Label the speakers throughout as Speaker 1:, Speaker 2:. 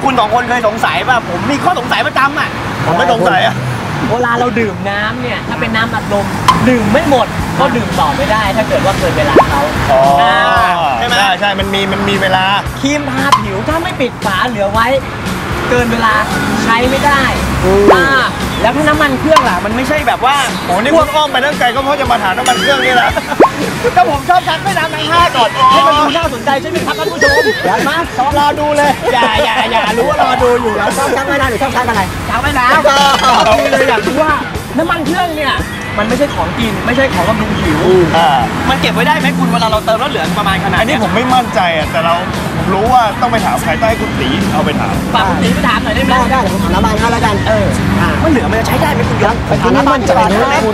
Speaker 1: คุณ2 คนเคยสงสัยป่ะผมมีข้อสงสัยประจำอ่ะผมไม่สงสัยอ่ะ
Speaker 2: เวลาเราดื่มน้ำเนี่ยถ้าเป็นน้ำอัดลมดื่มไม่หมดก็ดื่มต่อไม่ได้ถ้าเกิดว่าเกินเวลาเขา
Speaker 1: ใช่ไหมใช่มันมีเวลา
Speaker 2: ครีมทาผิวถ้าไม่ปิดฝาเหลือไว้เกินเวลาใช้ไม่ได้แล้วถ้าน้ำมันเครื่องล่ะมันไม่ใช่แบบว่า
Speaker 1: โอ้นี่พวกอ้อมไปตั้งไกลก็เพราะจะมาถามน้ำมันเครื่องนี่แหละ
Speaker 2: ก็ผมชอบชักไม่น้ำทั้ง5ก่อนให้มันดูน่าสนใจใช่ไหมครับท่านผู้ชมเดี๋ยวมา
Speaker 1: รอดูเลย
Speaker 2: อย่ารู้ว่ารอดูอยู่แล้วชอบชักไม่น้ำหรือชอบชักอะไรชักไม่น้ำเลยอยากรู้ว่าน้ำมันเครื่องเนี่ยมันไม่ใช่ของกินไม่ใช่ของบำรุงผิวมันเก็บไว้ได้ไหมคุณเวลาเราเติมแล้วเหลือประมาณขนาด
Speaker 1: อันนี้ผมไม่มั่นใจอ่ะแต่ผมรู้ว่าต้องไปถามใครต้องให้คุณตีเอาไปถาม
Speaker 2: ฝากคุณตีไปถามหน่อยได้ไหมได้ผมถามน้ำมันให้แล้วกันมันเหลือมันจะใช้ได้ไหมคุณยศไปถามน้ำมันจะได้ไหมคุณ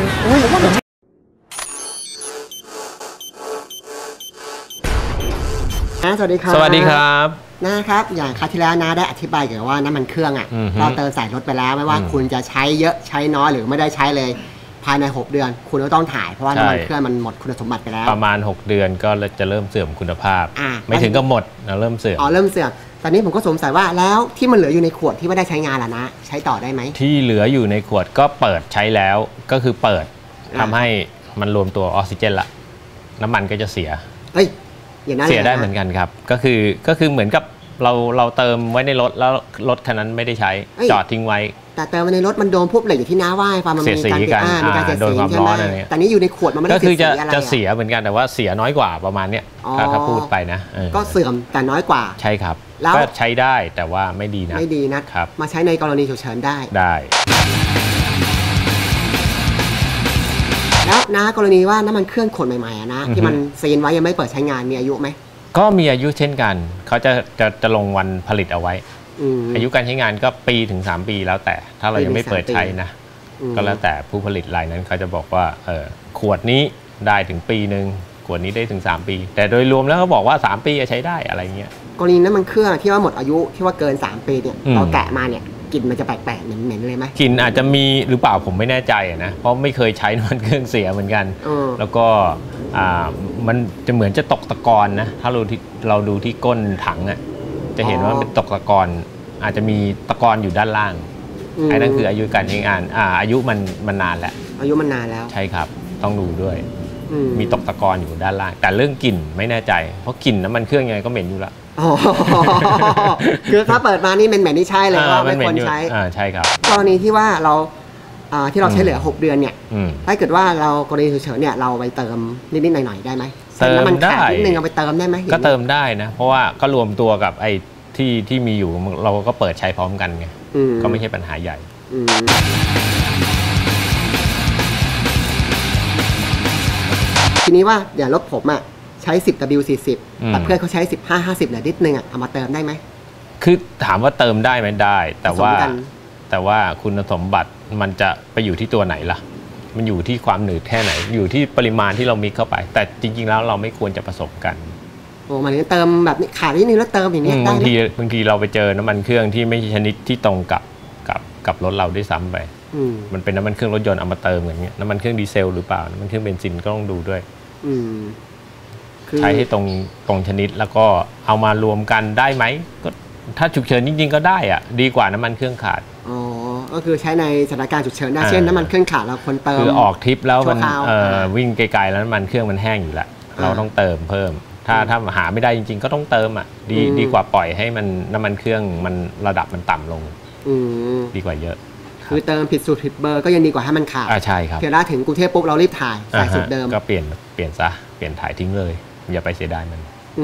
Speaker 3: สวัสดีครับ
Speaker 4: สวัสดีครับ
Speaker 3: นะครับอย่างคราวที่แล้วนะได้อธิบายเกี่ยวกับว่าน้ำมันเครื่องอ่ะเราเติมใส่รถไปแล้วไม่ว่าคุณจะใช้เยอะใช้น้อยหรือไม่ได้ใช้เลยภายใน6 เดือนคุณก็ต้องถ่ายเพราะว่าน้ำมันเครื่องมันหมดคุณสมบัติไปแล้ว
Speaker 4: ประมาณ6 เดือนก็จะเริ่มเสื่อมคุณภาพไม่ถึงก็หมดเริ่มเสื่อม
Speaker 3: เริ่มเสื่อมตอนนี้ผมก็สงสัยว่าแล้วที่มันเหลืออยู่ในขวดที่ไม่ได้ใช้งานล่ะนะใช้ต่อได้ไหม
Speaker 4: ที่เหลืออยู่ในขวดก็เปิดใช้แล้วก็คือเปิดทำให้มันรวมตัวออกซิเจนละน้ำมันก็จะเสียเสียได้เหมือนกันครับก็คือเหมือนกับเราเติมไว้ในรถแล้วรถคันนั้นไม่ได้ใช้จอดทิ้งไว้
Speaker 3: แต่เติมในรถมันโดนพวกเหล็กอยู่ที่น้าว่ายความมันมีการเสียสีใช่ไหมแต่นี้อยู่ในขวดมันไม่ได้
Speaker 4: เสียสีอะไรจะเสียเหมือนกันแต่ว่าเสียน้อยกว่าประมาณเนี้ยถ้าพูดไปนะ
Speaker 3: ก็เสื่อมแต่น้อยกว่า
Speaker 4: ใช่ครับก็ใช้ได้แต่ว่าไม่ดี
Speaker 3: นะครับมาใช้ในกรณีฉุกเฉินได้แล้วนะกรณีว่าน้ำมันเครื่องขวดใหม่ๆนะที่มันซีนไว้ยังไม่เปิดใช้งานมีอายุไหม
Speaker 4: ก็มีอายุเช่นกันเขาจะลงวันผลิตเอาไว้อายุการใช้งานก็ปีถึง3 ปีแล้วแต่ถ้าเรายังไม่เปิดใช้นะก็แล้วแต่ผู้ผลิตรายนั้นเขาจะบอกว่าขวดนี้ได้ถึงปีหนึ่งขวดนี้ได้ถึง3 ปีแต่โดยรวมแล้วเขาบอกว่า3 ปีจะใช้ได้อะไรเงี้ย
Speaker 3: กรณีน้ำมันเครื่องที่ว่าหมดอายุที่ว่าเกิน3 ปีเนี่ยเราแกะมาเนี่ยกลิ่นมันจะแปลกๆเหม็นๆเลยไหม
Speaker 4: กลิ่นอาจจะมีหรือเปล่าผมไม่แน่ใจนะเพราะไม่เคยใช้น้ำมันเครื่องเสียเหมือนกันแล้วก็มันจะเหมือนจะตกตะกอนนะถ้าเราดูที่ก้นถังจะเห็นว่าเป็นตกตะกอนอาจจะมีตะกอนอยู่ด้านล่างไอ้นั่นคืออายุการใช้งานอายุมันนานแล้ว
Speaker 3: อายุมันนานแล้ว
Speaker 4: ใช่ครับต้องดูด้วยมีตกตะกอนอยู่ด้านล่างแต่เรื่องกลิ่นไม่แน่ใจเพราะกลิ่นน้ำมันเครื่องยังไงก็เหม็นอยู่ละ
Speaker 3: คือถ้าเปิดมานี่เป็นเหม็นที่ใช่เลยว่าไม่ควรใช้
Speaker 4: ใช่ครับ
Speaker 3: กรณีที่ว่าเราที่เราใช้เหลือ6 เดือนเนี่ยถ้าเกิดว่าเรากรณีฉุกเฉินเนี่ยเราไปเติมนิดๆหน่อยๆได้ไหม
Speaker 4: เติมได้
Speaker 3: นิดนึงเอาไปเติมได้ไหม
Speaker 4: ก็เติมได้นะเพราะว่าก็รวมตัวกับไอ้ที่มีอยู่เราก็เปิดใช้พร้อมกันไงก็ไม่ใช่ปัญหาใหญ่
Speaker 3: ทีนี้ว่าอย่างรถผมใช้10W40แต่เพื่อนเขาใช้15-50เหลือนิดนึงเอามาเติมได้ไหม
Speaker 4: คือถามว่าเติมได้ไหมได้แต่ว่าคุณสมบัติมันจะไปอยู่ที่ตัวไหนล่ะมันอยู่ที่ความหนืดแค่ไหนอยู่ที่ปริมาณที่เรามิกเข้าไปแต่จริงๆแล้วเราไม่ควรจะผสมกัน
Speaker 3: มันเติมแบบนี้ขาดนิดนึงแล้วเติมอย่างนี้ได้
Speaker 4: บางทีเราไปเจอน้ำมันเครื่องที่ไม่ใช่ชนิดที่ตรงกับรถเราด้วยซ้ำไปมันเป็นน้ำมันเครื่องรถยนต์เอามาเติมอย่างเงี้ยน้ำมันเครื่องดีเซลหรือเปล่าน้ำมันเครื่องเบนซินก็ต้องดูด้วยใช้ให้ตรงชนิดแล้วก็เอามารวมกันได้ไหมก็ถ้าฉุกเฉินจริงๆก็ได้ดีกว่าน้ำมันเครื่องขาด
Speaker 3: ก็คือใช้ในสถานการณ์ฉุกเฉินได้เช่นน้ำมันเครื่องขาดเราคนเติม
Speaker 4: คือออกทริปแล้วมันวิ่งไกลๆแล้วน้ำมันเครื่องมันแห้งอยู่แล้วเราต้องเติมเพิ่มถ้าหาไม่ได้จริงๆก็ต้องเติมดีกว่าปล่อยให้มันน้ำมันเครื่องมันระดับมันต่ำลงดีกว่าเยอะ
Speaker 3: คือเติมผิดสูตรผิดเบอร์ก็ยังดีกว่าให้มันขาด
Speaker 4: ใช่ครับ
Speaker 3: เพียงแต่ถึงกรุงเทพปุ๊บเรารีบถ่ายใส่สูตรเดิม
Speaker 4: ก็เปลี่ยนซะเปลี่ยนถ่ายทิ้งเลยอย่าไปเสียดายมัน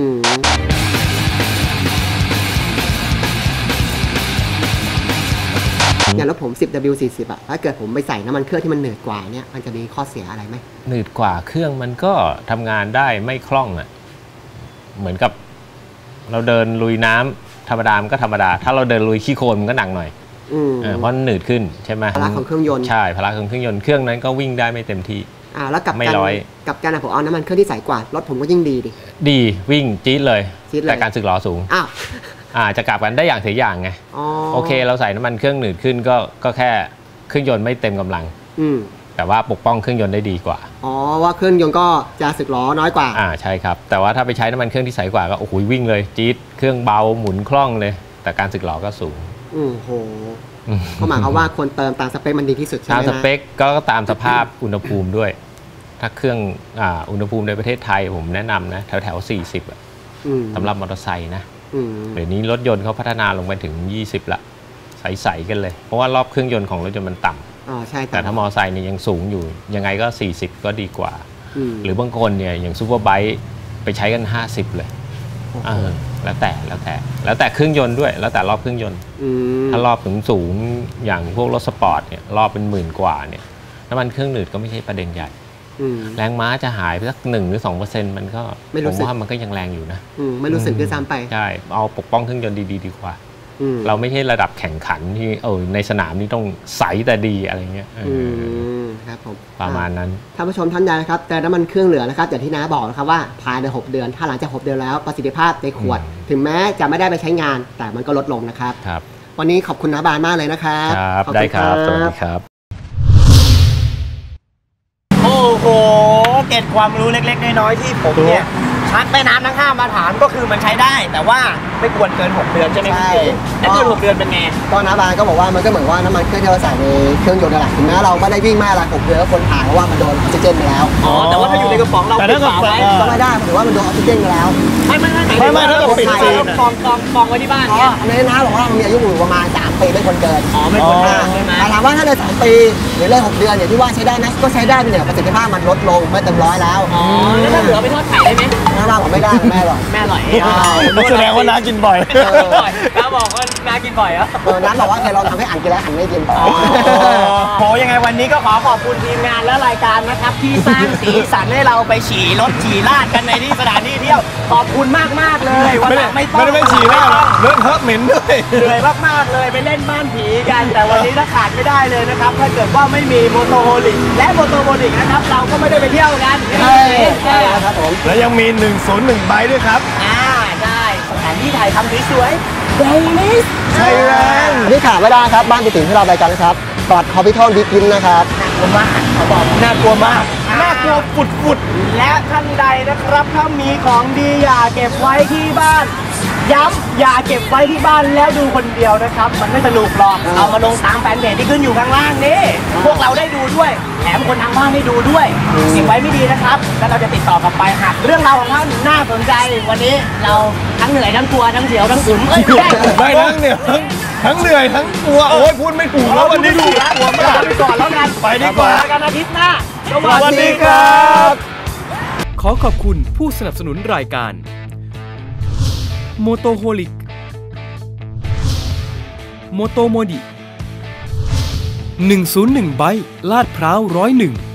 Speaker 3: อย่างรถผม 10W40 ถ้าเกิดผมไปใส่น้ำมันเครื่องที่มันหนืดกว่าเนี่ยมันจะมีข้อเสียอะไรไหม
Speaker 4: หนืดกว่าเครื่องมันก็ทำงานได้ไม่คล่องเหมือนกับเราเดินลุยน้ำธรรมดามันก็ธรรมดาถ้าเราเดินลุยขี้โคลนมันก็หนักหน่อยเพราะหนืดขึ้นใช่ไหม
Speaker 3: พละของเครื่องยนต์
Speaker 4: ใช่พละของเครื่องยนต์เครื่องนั้นก็วิ่งได้ไม่เต็มที่
Speaker 3: แล้วกับการผมเอาน้ำมันเครื่องที่ใสกว่ารถผมก็ยิ่ง
Speaker 4: ดีวิ่งจี๊ดเลยแต่การสึกหรอสูงจะกลับกันได้อย่างเสียอย่างไงโอเคเราใส่น้ำมันเครื่องหนืดขึ้นก็แค่เครื่องยนต์ไม่เต็มกำลังแต่ว่าปกป้องเครื่องยนต์ได้ดีกว่า
Speaker 3: ว่าเครื่องยนต์ก็จะสึกหรอน้อยกว่า
Speaker 4: ใช่ครับแต่ว่าถ้าไปใช้น้ำมันเครื่องที่ใสกว่าก็โอ้โหวิ่งเลยจี๊ดเครื่องเบาหมุนคล่องเลยแต่การสึกหรอก็สูง
Speaker 3: โหก็หมายความว่าคนเติมตามสเปคมันดีที่สุดใช่ไหม
Speaker 4: ตามสเปคก็ตามสภาพอุณหภูมิด้วยถ้าเครื่องอุณหภูมิในประเทศไทยผมแนะนำนะแถว40สำหรับมอเตอร์ไซค์นะเดี๋ยวนี้รถยนต์เขาพัฒนาลงไปถึง20ละใสๆกันเลยเพราะว่ารอบเครื่องยนต์ของรถยนต์มันต่ำ
Speaker 3: ใช่
Speaker 4: แต่ถ้ามอเตอร์ไซค์เนี่ยยังสูงอยู่ยังไงก็40ก็ดีกว่าหรือบางคนเนี่ยอย่างซูเปอร์ไบค์ไปใช้กัน50เลยแล้วแต่เครื่องยนต์ด้วยแล้วแต่รอบเครื่องยนต์ถ้ารอบสูงอย่างพวกรถสปอร์ตเนี่ยรอบเป็น10,000กว่าเนี่ยน้ำมันเครื่องหนืดก็ไม่ใช่ประเด็นใหญ่แรงม้าจะหายไปสัก1 หรือ 2% มันก็ผมว่ามันก็ยังแรงอยู่นะ
Speaker 3: ไม่รู้สึกด้วยซ้ำไป
Speaker 4: ใช่เอาปกป้องเครื่องยนต์ดีกว่าเราไม่ใช่ระดับแข่งขันที่ในสนามนี่ต้องใสแต่ดีอะไรเงี้ย
Speaker 3: ครับผม
Speaker 4: ประมาณนั้น
Speaker 3: ท่านผู้ชมท่านใดนะครับแต่น้ำมันเครื่องเหลือนะครับอย่างที่น้าบอกนะครับว่าภายใน6 เดือนถ้าหลังจาก6 เดือนแล้วประสิทธิภาพในขวดถึงแม้จะไม่ได้ไปใช้งานแต่มันก็ลดลงนะครับวันนี้ขอบคุณน้าบานมากเลยนะครับ
Speaker 4: ได้ครับสวัสดีครับ
Speaker 2: โอ้โหเก็บความรู้เล็กๆน้อยๆที่ผมเนี่ยชักแม่น้ำทั้ง5มาถามก็คือมันใช้ได้แต่ว่าไม่ควรเกิน6 เดือนใช่ไหมครับแล้วเกิน6 เดือนเป็นไง
Speaker 3: ก็น้าบานก็บอกว่ามันก็เหมือนว่าน้ำมันเครื่องที่เราใส่ในเครื่องยนต์นั่นแหละถึงแม้เราไม่ได้วิ่งมากละ6 เดือนก็ควรถ่ายเพราะว่ามันโดนออกซิเจนไปแล้ว
Speaker 2: แต่ว่าถ้าอยู่ในกระป๋องเราปิดฝาไว้
Speaker 3: ก็ไม่ได้ถือว่ามันโดนออกซิเจนไปแล้ว
Speaker 2: ไม่ถ้าเราปิดซีนกองไว้ที่บ้านเนี่ย
Speaker 3: อันนี้น้าบอกว่ามันมีอายุอยู่ประมาณ3 ปีไม่ควรเกิน
Speaker 2: ไม่ควรเกินใช่ไหม
Speaker 3: ถามว่าถ้าเลย3 ปีหรือเลย6 เดือนอย่างที่ว่าใช้ได้ไหมก็ใช้ได้เนี่ยประสิทธิภาพมันลดลงไม่เต็ม100แล้ว
Speaker 2: แล้วถ้าเหลือไปทอดไข่ได้ไหม
Speaker 3: น้าบอกไม่ได้แม่อร่อย
Speaker 1: แสดงว่าน้ากินบ่อย
Speaker 2: น้าบอกว่าน้ากินบ่อย
Speaker 3: น้าบอกว่าเคยลองทำให้อ่านกินแล้วอ่านไม่กิน
Speaker 2: โหยังไงวันนี้ก็ขอบคุณทีมงานและรายการนะครับที่สร้างสีสันให้เราไปฉี่รถฉี่ลาดกันในที่สถานที่เที่ยวขอบคุณมากเลยวันหลังไม่ต้อง
Speaker 1: ไม่ฉี่ลาดเลิศเทอะเหม็นด้วย
Speaker 2: เหนื่อยมากๆเลยไปเล่นบ้านผีกันแต่วันนี้ถ้าขาดไม่ได้เลยนะครับถ้าเกิดว่าไม่มีโมโตโฮลิกและโมโตโฮลิกนะครับเราก็ไม่ได้ไปเที่ยวกัน
Speaker 3: ใช่ครับผม
Speaker 1: แล้วยังมี101ใบด้วยครับ
Speaker 2: ได้สถานที่ถ่ายทำสวยๆเดลิส
Speaker 1: ใช่แล้ว
Speaker 3: นี่ขาดไม่ได้ครับบ้านติ่งที่เราไปกันนะครับปลอดคอพิทอลดิกินนะครับ
Speaker 2: น่ากลัวมากเขาบอกน่ากลัวมากน่ากลัวฟุดและท่านใดนะครับถ้ามีของดีอย่าเก็บไว้ที่บ้านย้ำอย่าเก็บไว้ที่บ้านแล้วดูคนเดียวนะครับมันไม่สนุกหรอกเอามาลงตามแฟนเพจที่ขึ้นอยู่ข้างล่างนี่พวกเราได้ดูด้วยแถมคนทางบ้านได้ดูด้วยเก็บไว้ไม่ดีนะครับแล้วเราจะติดต่อกลับไปหากเรื่องราวของท่านน่าสนใจวันนี้เราทั้งเหนื่อยทั้งกลัวทั้งเสียวทั้งอึม
Speaker 1: ไม่ทั้งเหนื่อยทั้งเหนื่อยทั้งกลัวโอ้ยพูดไม่ถูกแล้ววันนี้ถูกแล้ว
Speaker 2: กลัวมากไปก่อนแล้วกัน
Speaker 1: ไปดีกว่า
Speaker 2: กันอาทิตย์หน้า
Speaker 1: สวัสดีครับ
Speaker 5: ขอขอบคุณผู้สนับสนุนรายการโมโตโฮลิกโมโตโมดิ101 ไบค์ลาดพร้าว101